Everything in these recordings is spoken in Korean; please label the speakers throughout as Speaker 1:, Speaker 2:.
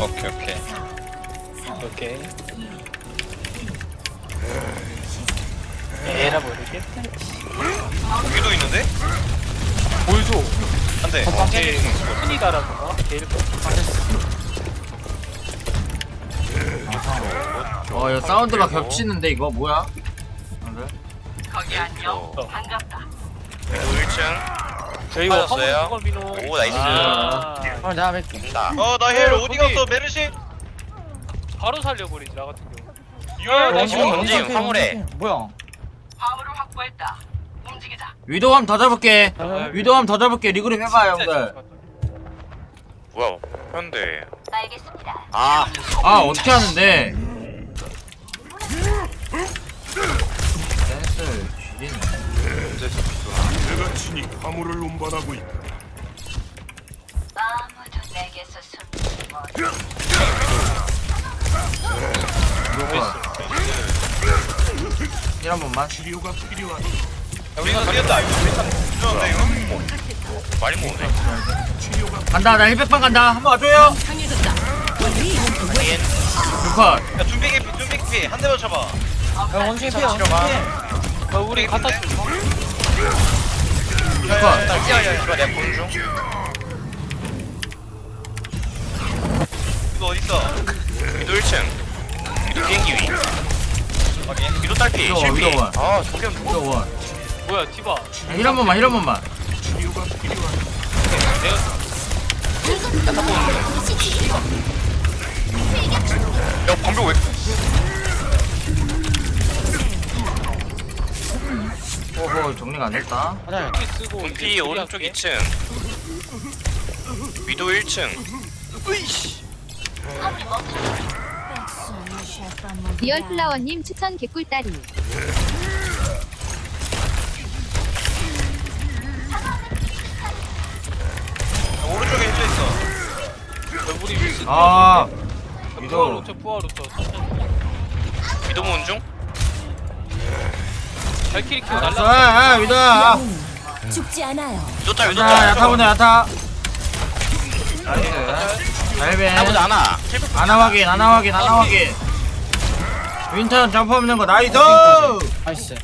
Speaker 1: 오케이.
Speaker 2: 오케이. 에라 모르겠다.
Speaker 1: 여기도 있는데?
Speaker 2: 보여줘.
Speaker 1: 안돼.
Speaker 2: 제일 순위 달아서 제일
Speaker 3: 이거 사운드가 겹치는데 이거 뭐야?
Speaker 4: 거기 안녕. 반갑다.
Speaker 1: 1층.
Speaker 2: 저희가
Speaker 1: 빠졌어요?
Speaker 2: 화물 민호.
Speaker 1: 오 나이스.
Speaker 3: 내가 뵐게.
Speaker 1: 된다. 나 헬 어디 갔어 메르시?
Speaker 2: 바로 살려버리지 나 같은 경우.
Speaker 1: 원징 화물에.
Speaker 3: 뭐야?
Speaker 4: 화물을 확보했다. 움직이자.
Speaker 3: 위도함 더 잡을게. 위도함 더 잡을게. 리그룹 해봐 형들.
Speaker 1: 뭐야 현대.
Speaker 4: 알겠습니다.
Speaker 1: 아
Speaker 3: 어떻게 하는데? 댄스 쥐리네.
Speaker 5: 내가 친히 화물을 운반하고 있다.
Speaker 4: 아무도 내게서 숨지 못.
Speaker 3: 힐한 번만.
Speaker 5: 치료가 필요하다.
Speaker 1: 우리가 뛰었다. 뛰었는데 이거. 많이 먹네.
Speaker 3: 간다. 나 힐백방 간다. 한번 와줘요. 불컷.
Speaker 1: 야 준비 개피 한 대만 쳐봐.
Speaker 3: 원숭이 피해.
Speaker 2: 우리 갖다 줘.
Speaker 1: 야야야 이거 내가 보는 중. 이거 어딨어? 위도 1층. 위도 비행기 위. 확인. 위도 딸피.
Speaker 3: 위도
Speaker 1: 실패.
Speaker 3: 원.
Speaker 1: 아 저기는
Speaker 3: 위도 원.
Speaker 2: 뭐야 티바.
Speaker 3: 힐 한 번만. 힐 한 번만.
Speaker 5: 치료가 필요하다.
Speaker 2: 내가
Speaker 1: 야 방벽 왜?
Speaker 3: 정리가 안 됐다.
Speaker 2: 이렇게 쓰고
Speaker 1: 분피 오른쪽 2층. 위도 1층.
Speaker 6: 리얼플라워님 추천 개꿀다리.
Speaker 1: 오른쪽에 힐러 있어.
Speaker 2: 우리 위스.
Speaker 3: 아.
Speaker 2: 부활
Speaker 3: 위도.
Speaker 2: 5초 부활 5초.
Speaker 1: 위도 모은 중?
Speaker 2: 발키리 키고
Speaker 3: 알았어.
Speaker 2: 날라.
Speaker 3: 위도야.
Speaker 6: 죽지 않아요.
Speaker 1: 위도 딸 위도
Speaker 3: 야타
Speaker 1: 딸.
Speaker 3: 야타 보내 야타. 나이스. 잘배.
Speaker 1: 나보다 하나.
Speaker 3: 아나 확인. 아나 확인. 아나 확인. 윈턴 점프 없는 거 나이스.
Speaker 7: 나이스.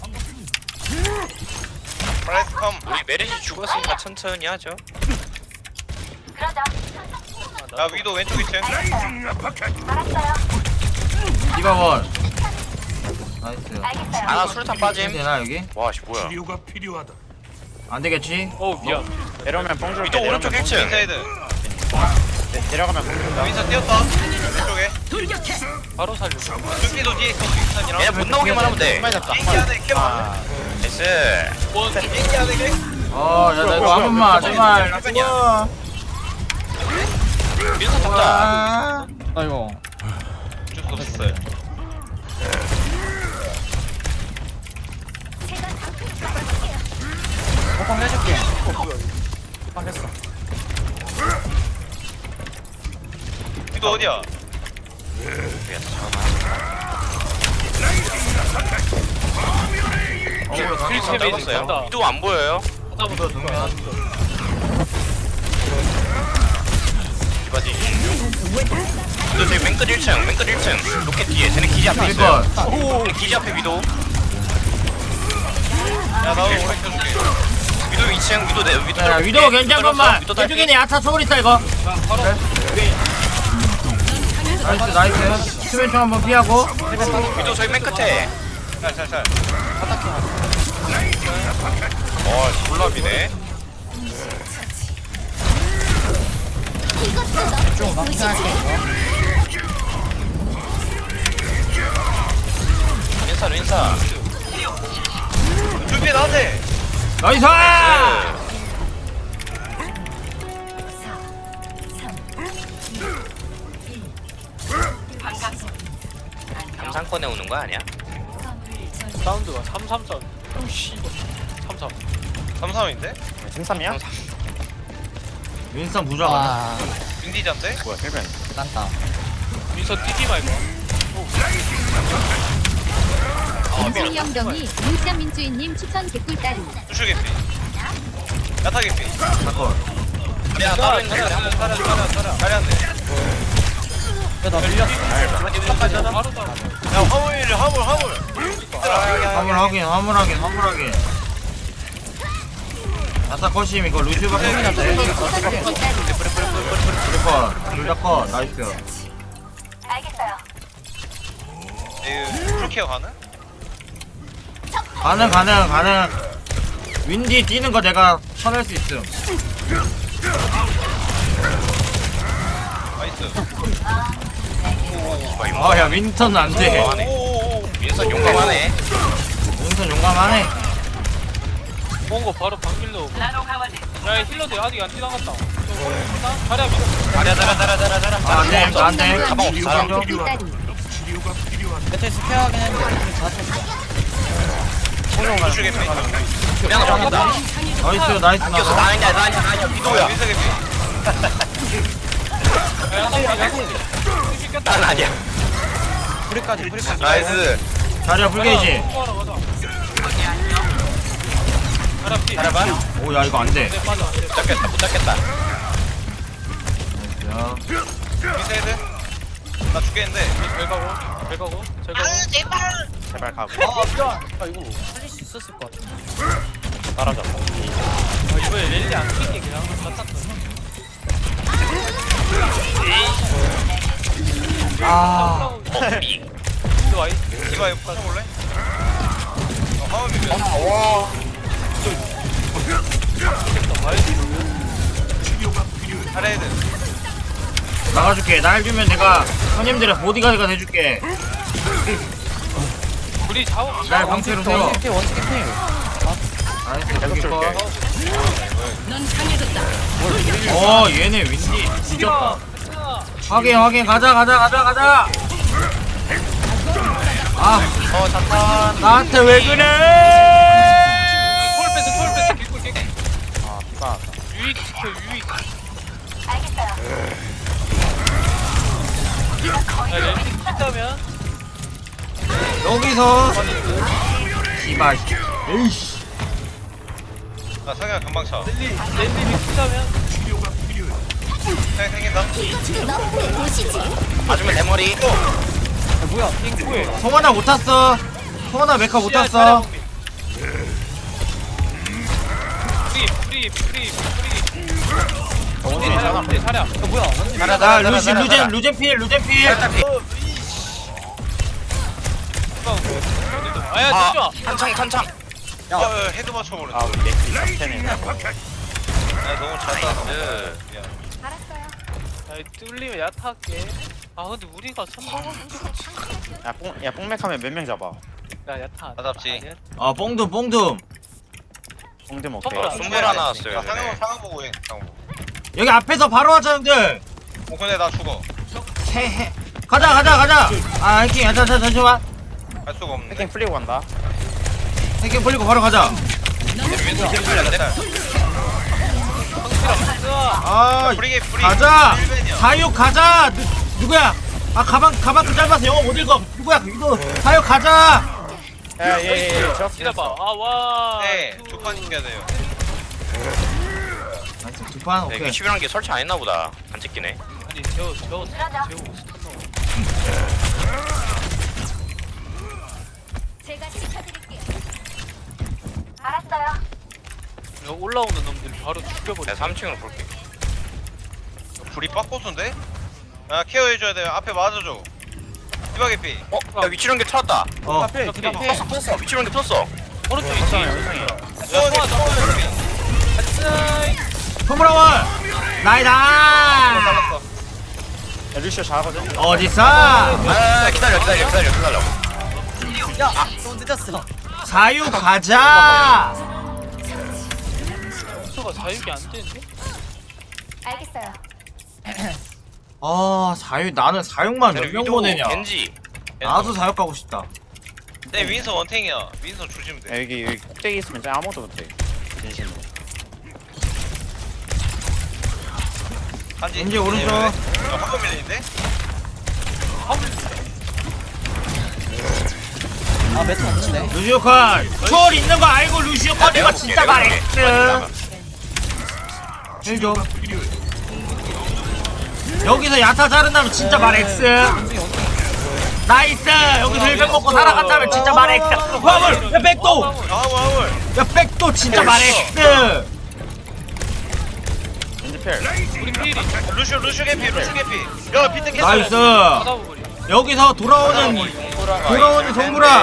Speaker 1: 브라이트 컴. 우리 메르시 죽었으니까 천천히 하죠.
Speaker 4: 그러자.
Speaker 1: 야 위도 왼쪽 2층.
Speaker 4: 알았어요.
Speaker 3: 디바 원. 나이스.
Speaker 4: 알겠어요.
Speaker 1: 하나 수류탄 빠짐.
Speaker 3: 되나 여기?
Speaker 1: 와씨 뭐야?
Speaker 5: 치료가 필요하다.
Speaker 3: 안 되겠지?
Speaker 2: 어 미안.
Speaker 7: 내려오면 뽕 줄게.
Speaker 1: 위도 오른쪽 1층. 인사이드.
Speaker 7: 내려가면 뽕 준다.
Speaker 1: 윈서 뛰었다. 왼쪽에.
Speaker 2: 바로 살려.
Speaker 1: 눈기도 뒤에 있어. 윈선이랑. 얘 못 나오게만 하면 돼.
Speaker 7: 빨리 잡자.
Speaker 1: 비행기 안에 캠. 나이스.
Speaker 2: 원.
Speaker 1: 비행기 안에 캠.
Speaker 3: 야, 나 이거 한 번만, 제발. 나 죽어.
Speaker 1: 윈서 잡자.
Speaker 7: 아이고.
Speaker 1: 어쩔 수 없었어요.
Speaker 7: 뽕 해줄게. 뽕 했어.
Speaker 1: 위도 어디야?
Speaker 2: 필체 메이징
Speaker 1: 잡았어요.
Speaker 2: 간다.
Speaker 1: 위도 안 보여요?
Speaker 2: 하나부터 두 명.
Speaker 1: 이바지. 위도 저기 맨끝 1층. 맨끝 1층. 로켓 뒤에. 쟤네 기지 앞에 있어요. 기지 앞에 위도. 야 나도 오래 켜줄게. 위도 2층. 위도 내 위도.
Speaker 3: 야, 위도 괜찮건만.
Speaker 1: 위도 딸피.
Speaker 3: 이쪽에는 야타 소울 있다, 이거. 나이스, 나이스. 수면총 한번 피하고.
Speaker 1: 위도 저기 맨 끝에. 잘. 졸라비네.
Speaker 7: 좀 막히할게 이거.
Speaker 1: 윈사. 준비 나한테.
Speaker 3: 나이스!
Speaker 1: 감상권에 오는 거 아니야?
Speaker 2: 사운드가 333. 오씨. 33.
Speaker 1: 33인데?
Speaker 7: 찜삼이야?
Speaker 3: 윈스턴 부자가.
Speaker 7: 아,
Speaker 1: 윈디자인데?
Speaker 7: 뭐야, 헬벤. 딴다.
Speaker 2: 민서 뛰지 말고.
Speaker 6: 인생영덩이 문자민주인님 추천 개꿀다리.
Speaker 1: 수출 개피. 야타 개피.
Speaker 3: 사건.
Speaker 1: 야 따로 있는 사람 한번 따라. 다리 안 돼.
Speaker 7: 나 밀렸어.
Speaker 2: 빠르다.
Speaker 1: 야 화물
Speaker 3: 화물하긴. 아싸 컷임 이거 루시오밖에 없는데. 둘다 컷. 나이스.
Speaker 4: 알겠어요.
Speaker 1: 풀케어 가능?
Speaker 3: 가능. 윈디 뛰는 거 내가 쳐낼 수 있음.
Speaker 1: 나이스
Speaker 3: 야 윈턴 안 돼.
Speaker 1: 민선 용감하네
Speaker 3: 윈턴 용감하네.
Speaker 2: 뭔거 바로 방길로 오고. 야 힐러들 아직 안 지나갔다. 자리야 밀어.
Speaker 1: 잘해
Speaker 3: 안 돼.
Speaker 1: 가방 없어 사람
Speaker 6: 개꿀다리.
Speaker 5: 치료가 필요하다.
Speaker 7: 배틀 스페어하긴 했는데 우리 다 쳤어.
Speaker 1: 루슈 개피 그냥 잡는다
Speaker 3: 나이스
Speaker 1: 껴서
Speaker 3: 나.
Speaker 1: 나냐 비도야 난 아니야
Speaker 7: 프리까지.
Speaker 1: 나이스
Speaker 3: 자리야 불게이지.
Speaker 2: 자리야 피.
Speaker 1: 잘해봐
Speaker 3: 오야 이거 안 돼.
Speaker 2: 네 맞아.
Speaker 1: 못 잡겠다
Speaker 3: 야.
Speaker 1: 미세헤드 나 죽겠는데
Speaker 2: 잘 가고.
Speaker 1: 제발 가고
Speaker 7: 아 이거 살릴 수 있었을 것 같아.
Speaker 1: 따라잡아
Speaker 2: 이번에 랠리 안 킬게 그냥 다 땄어.
Speaker 3: 아.
Speaker 2: 이거 와이.
Speaker 1: 이거 부숴볼래? 화면 밀면
Speaker 5: 치료가 필요해.
Speaker 1: 잘해야 돼
Speaker 3: 나가줄게. 날 주면 내가 형님들의 보디가드가 돼줄게.
Speaker 2: 우리 자원.
Speaker 3: 날 방패로 세워.
Speaker 7: 원스킬 필.
Speaker 3: 나이스
Speaker 1: 계속
Speaker 3: 여기
Speaker 1: 줄게
Speaker 3: 컷. 얘네 윈디 뒤졌다. 확인 가자. 아
Speaker 1: 잠깐
Speaker 3: 나한테 왜 그래?
Speaker 2: 초월 뺐어. 길골 깨.
Speaker 1: 아 비가
Speaker 2: 유익 시켜 유익.
Speaker 4: 알겠어요.
Speaker 2: 야 랠리 킨다면
Speaker 3: 여기서 씨발. 에이씨.
Speaker 1: 나 성현 금방 차
Speaker 2: 랠리 킨다면
Speaker 5: 치료가 필요해.
Speaker 1: 생긴다 맞으면 대머리
Speaker 7: 뭐야?
Speaker 2: 핑크에.
Speaker 3: 송하나 못 탔어. 송하나 메카 못 탔어.
Speaker 2: 프리. 사랴.
Speaker 7: 뭐야?
Speaker 3: 나 루젠 필.
Speaker 2: 아야
Speaker 1: 아
Speaker 2: 진짜.
Speaker 1: 탄창 헤드 맞춰버렸네 아 우리 넥스 야 너무 잘 땄어 미안
Speaker 4: 알았어요.
Speaker 2: 야 뚫리면 야타할게. 아 근데 우리가 선방한
Speaker 8: 야 뽕맥하면 몇 명 잡아?
Speaker 2: 야 야타.
Speaker 1: 나 잡지.
Speaker 3: 뽕둠.
Speaker 8: 뽕대 먹게.
Speaker 2: 선물
Speaker 1: 손발 하나 나왔어요 상황 보고 해 상황 보고
Speaker 3: 여기 앞에서 바로 하자 형들.
Speaker 1: 근데 나 죽어
Speaker 3: 헤헤. 가자. 아 해킹. 잠시만.
Speaker 1: 할 수가 없는데
Speaker 8: 해킹 풀리고 간다.
Speaker 3: 해킹 풀리고 바로 가자. 아
Speaker 1: 프리
Speaker 3: 가자. 사육 가자. 누구야? 아 가방 그 짧아서 영어 못 읽어. 누구야? 이거 사육 가자.
Speaker 8: 예.
Speaker 2: 기다봐. 아 와.
Speaker 1: 네두판 이겨야 돼요
Speaker 3: 두판 오케이.
Speaker 1: 이거 11한 개 설치 안 했나 보다 안 찍히네
Speaker 2: 아니 재호
Speaker 6: 제가 지켜드릴게요.
Speaker 4: 알았어요.
Speaker 2: 야, 올라오는 놈들 바로 죽여버려.
Speaker 1: 내가 3층으로 볼게 불이 빡고수인데? 야 케어해줘야 돼요 앞에 맞아줘 디바 개피 야 위치런 게 찾았다
Speaker 3: 어.
Speaker 1: 떴어 위치런 게 떴어
Speaker 2: 오른쪽 있지.
Speaker 3: 포무라원 나이다.
Speaker 1: 잘랐어
Speaker 8: 야 루시오 잘하거든.
Speaker 3: 어디서?
Speaker 1: 아 기다려
Speaker 7: 또 늦었어.
Speaker 3: 사육 가자.
Speaker 2: 수가 자유기 안 되는데?
Speaker 4: 알겠어요.
Speaker 3: 사육 나는 사육만 몇 명 보내냐.
Speaker 1: 겐지
Speaker 3: 나도 사육 가고 싶다.
Speaker 1: 내 윈서 원탱이야 윈서 조심면
Speaker 8: 야
Speaker 1: 돼
Speaker 8: 여기 꼭대기 있으면 진짜 아무것도 못해. 진심으로.
Speaker 1: 한지
Speaker 3: 겐지 오른쪽.
Speaker 1: 화면 밀리는데?
Speaker 7: 아 매트 없는데.
Speaker 3: 루시오 컷. 초월 있는 거 알고 루시오 컷 이거 진짜 잘했어. 힐 좀. 여기서 야타 자른다면 진짜 말 X. 나이스. 여기서 1백 먹고 살아간다면 진짜 말 X. 화물. 야 백도.
Speaker 1: 아울.
Speaker 3: 야 백도 진짜 말 X.
Speaker 8: 겐지 필.
Speaker 2: 우리 필이
Speaker 1: 루슈 개피. 야 비트 캐스.
Speaker 3: 나이스.
Speaker 2: 받아버리.
Speaker 3: 여기서 돌아오는 송구라.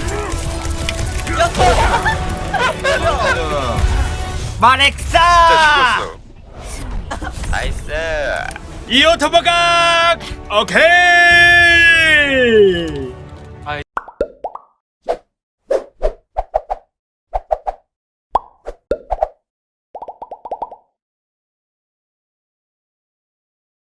Speaker 3: 말 X.
Speaker 1: 나이스.
Speaker 3: 이어 터버각. 오케이.